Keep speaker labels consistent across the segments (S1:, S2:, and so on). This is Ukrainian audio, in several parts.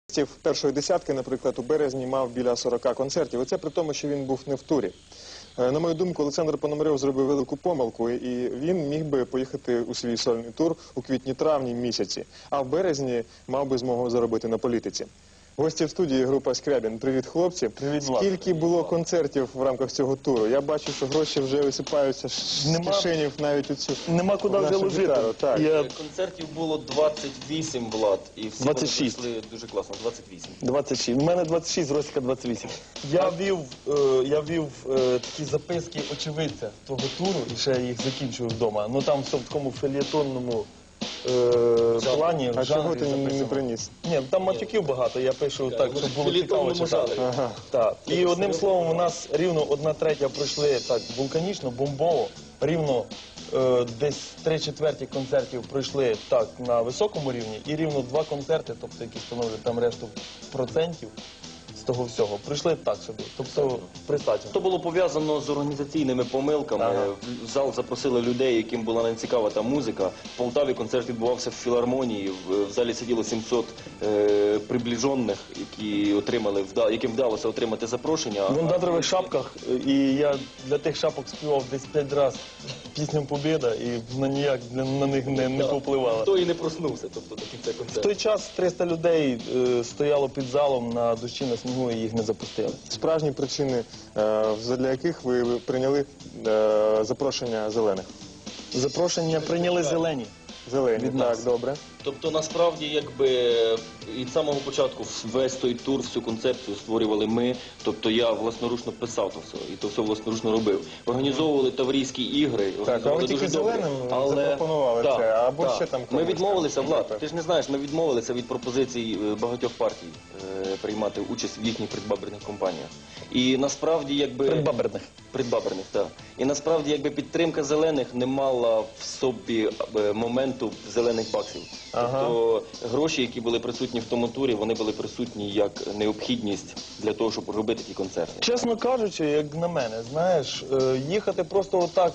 S1: Першої десятки, наприклад, у березні мав біля 40 концертів. І це при тому, що він був не в турі. На мою думку, Олександр Пономарьов зробив велику помилку, і він міг би поїхати у свій сольний тур у квітні-травні місяці, а в березні мав би змогу заробити на політиці. Гості в студії — група Скрябін. Привіт, хлопці.
S2: Привіт, Влад.
S1: Скільки було концертів в рамках цього туру? Я бачу, що гроші вже висипаються з кишенів навіть у цю
S2: Нема куди вже ложити.
S1: гітару. Так.
S3: Концертів було 28, Влад, і всі
S2: 26.
S3: вони пройшли дуже класно. 28.
S2: 26. У мене 26, Росіка 28. Я вів такі записки очевидця того туру, і ще їх закінчую вдома. Ну там все в такому фельєтонному плані.
S1: А чого
S2: жанрі
S1: ти не
S2: записано.
S1: приніс?
S2: Ні, там матюків багато, я пишу так, щоб було цікаво читати.
S1: Ага.
S2: Так. І одним словом, у нас рівно 1/3 пройшли так вулканічно, бомбово, рівно десь 3/4 концертів пройшли так на високому рівні, і рівно 2 концерти, тобто які становлять там решту процентів з того всього, пройшли так собі, тобто присаджено.
S3: То було пов'язано з організаційними помилками.
S2: Ага.
S3: В зал запросили людей, яким була не цікава та музика. В Полтаві концерт відбувався в філармонії. В залі сиділо 700 приближених, яким вдалося отримати запрошення.
S2: В ондатрових шапках, і я для тих шапок співав десь 5 разів пісню «Побєда», і вона ніяк на них не повпливала.
S3: Хто і не проснувся, тобто до кінця
S2: В
S3: концерту.
S2: той час 300 людей стояло під залом на дощі, на снігу, і їх не запустили.
S1: Справжні причини, задля яких ви прийняли запрошення зелених?
S2: Запрошення прийняли зелені.
S1: Зелені,
S2: Від
S1: так,
S2: нас.
S1: добре.
S3: Тобто, насправді, якби від самого початку весь той тур, всю концепцію створювали ми. Тобто я власноручно писав то все, і то все власноручно робив. Організовували Таврійські ігри.
S1: Так, а ви
S3: організовували
S1: тільки
S3: дуже добре.
S1: зеленим запропонували
S3: Так,
S1: це, або
S3: так.
S1: ще там
S3: Ми
S1: комусь
S3: відмовилися,
S1: там,
S3: Влад,
S1: наприклад.
S3: ти ж не знаєш, ми відмовилися від пропозицій багатьох партій приймати участь в їхніх предвиборних кампаніях. І насправді, якби... Предбаберних, так. І насправді, якби підтримка зелених не мала в собі моменту зелених баксів.
S1: Ага.
S3: Тобто гроші, які були присутні в тому турі, вони були присутні як необхідність для того, щоб робити ті концерти.
S2: Чесно кажучи, як на мене, знаєш, їхати просто отак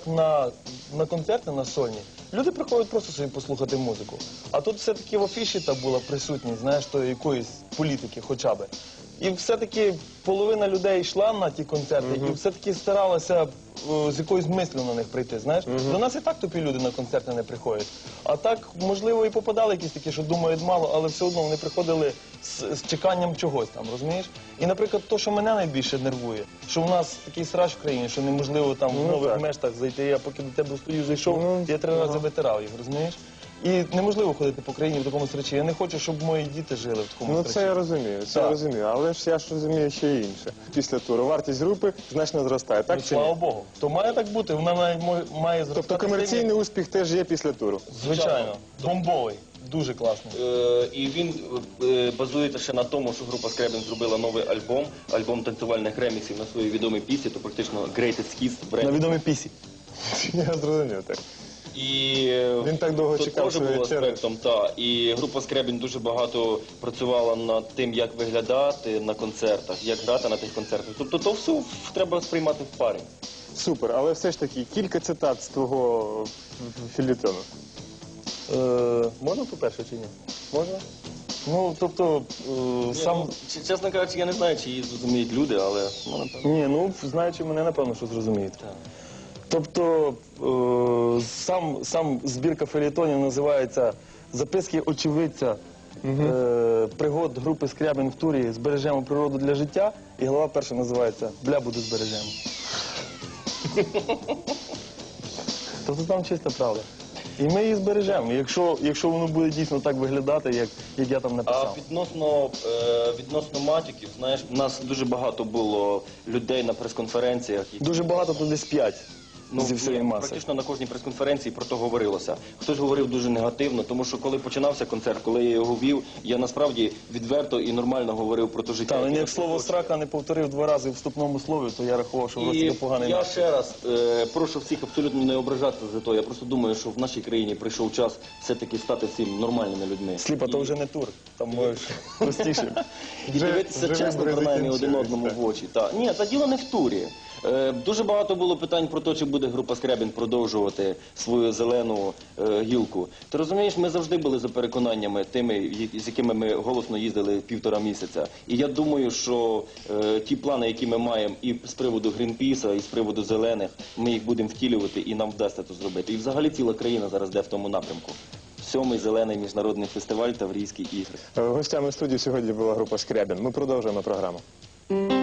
S2: на концерти, на сольні, люди приходять просто собі послухати музику. А тут все-таки в афіші та була присутність, знаєш, то якоїсь політики хоча б. І все-таки половина людей йшла на ті концерти і все-таки старалася з якоюсь мислю на них прийти, знаєш. До нас і так тупі люди на концерти не приходять. А так, можливо, і попадали якісь такі, що думають мало, але все одно вони приходили з чеканням чогось там, розумієш? І, наприклад, то, що мене найбільше нервує, що в нас такий срач в країні, що неможливо там в нових
S1: так.
S2: мештах зайти. Я поки до тебе стою, зайшов, я 3 рази витирав їх, розумієш? І неможливо ходити по країні в такому срачі. Я не хочу, щоб мої діти жили в такому
S1: Ну
S2: срачі.
S1: це я розумію,
S2: Так.
S1: але ж я ж розумію ще й інше. Після туру вартість групи значно зростає, так чи
S2: Слава
S1: ні?
S2: Богу. То має так бути, вона має зростати.
S1: Тобто комерційний успіх теж є після туру?
S2: Звичайно. Бомбовий. Дуже класний.
S3: І він базується ще на тому, що група Скрябін зробила новий альбом танцювальних реміксів на свої відомі пісні, то практично Greatest Hits.
S2: На відомій пісі.
S1: Я зрозумів, так.
S3: І
S1: Він так довго
S3: тут
S1: чекав
S3: теж
S1: своєї
S3: було
S1: черги.
S3: аспектом, так. І група Скрябін дуже багато працювала над тим, як виглядати на концертах, як грати на тих концертах. Тобто то все треба сприймати в парі.
S1: Супер, але все ж таки кілька цитат з твого фельєтону.
S2: Можна по-перше чи ні? Можна? Ну, тобто, сам...
S3: Чесно кажучи, я не знаю, чи її зрозуміють люди, але напевно.
S2: Ні, ну, знаючи мене, напевно, що зрозуміють. Тобто, сам збірка фельєтонів називається «Записки очевидця пригод групи Скрябін в турі «Збережемо природу для життя», і глава перша називається «Блябуду збережемо». Тобто там чиста правда. І ми її збережемо, якщо воно буде дійсно так виглядати, як я там
S3: А
S2: написав.
S3: відносно матюків, знаєш, у нас дуже багато було людей на прес-конференціях. які-
S2: Дуже багато, то десь 5 зі всієї маси.
S3: Практично на кожній прес-конференції про то говорилося. Хтось говорив дуже негативно, тому що коли починався концерт, коли я його вів, я насправді відверто і нормально говорив про те життя.
S2: Так,
S3: яке
S2: як
S3: нас
S2: слово
S3: оточує.
S2: «срака» не повторив 2 рази в вступному слові, то я рахував, що в
S3: І
S2: Росії поганий
S3: я
S2: настрій.
S3: ще раз прошу всіх абсолютно не ображатися за то. Я просто думаю, що в нашій країні прийшов час все-таки стати всім нормальними людьми.
S2: Сліпа, то вже не тур, там можеш простіше.
S3: І дивитися
S1: Вже
S3: чесно,
S1: вибори
S3: принаймні, один
S1: закінчились,
S3: одному
S1: так.
S3: в очі. Ні, та діло не в турі. Дуже багато було питань про те, чи буде буде група Скрябін продовжувати свою зелену гілку. Ти розумієш, ми завжди були за переконаннями тими, з якими ми голосно їздили 1,5 місяця. І я думаю, що ті плани, які ми маємо і з приводу Грінпіса, і з приводу зелених, ми їх будемо втілювати і нам вдасться це зробити. І взагалі ціла країна зараз йде в тому напрямку. 7-й зелений міжнародний фестиваль Таврійські ігри.
S1: Гостями студії сьогодні була група Скрябін. Ми продовжуємо програму.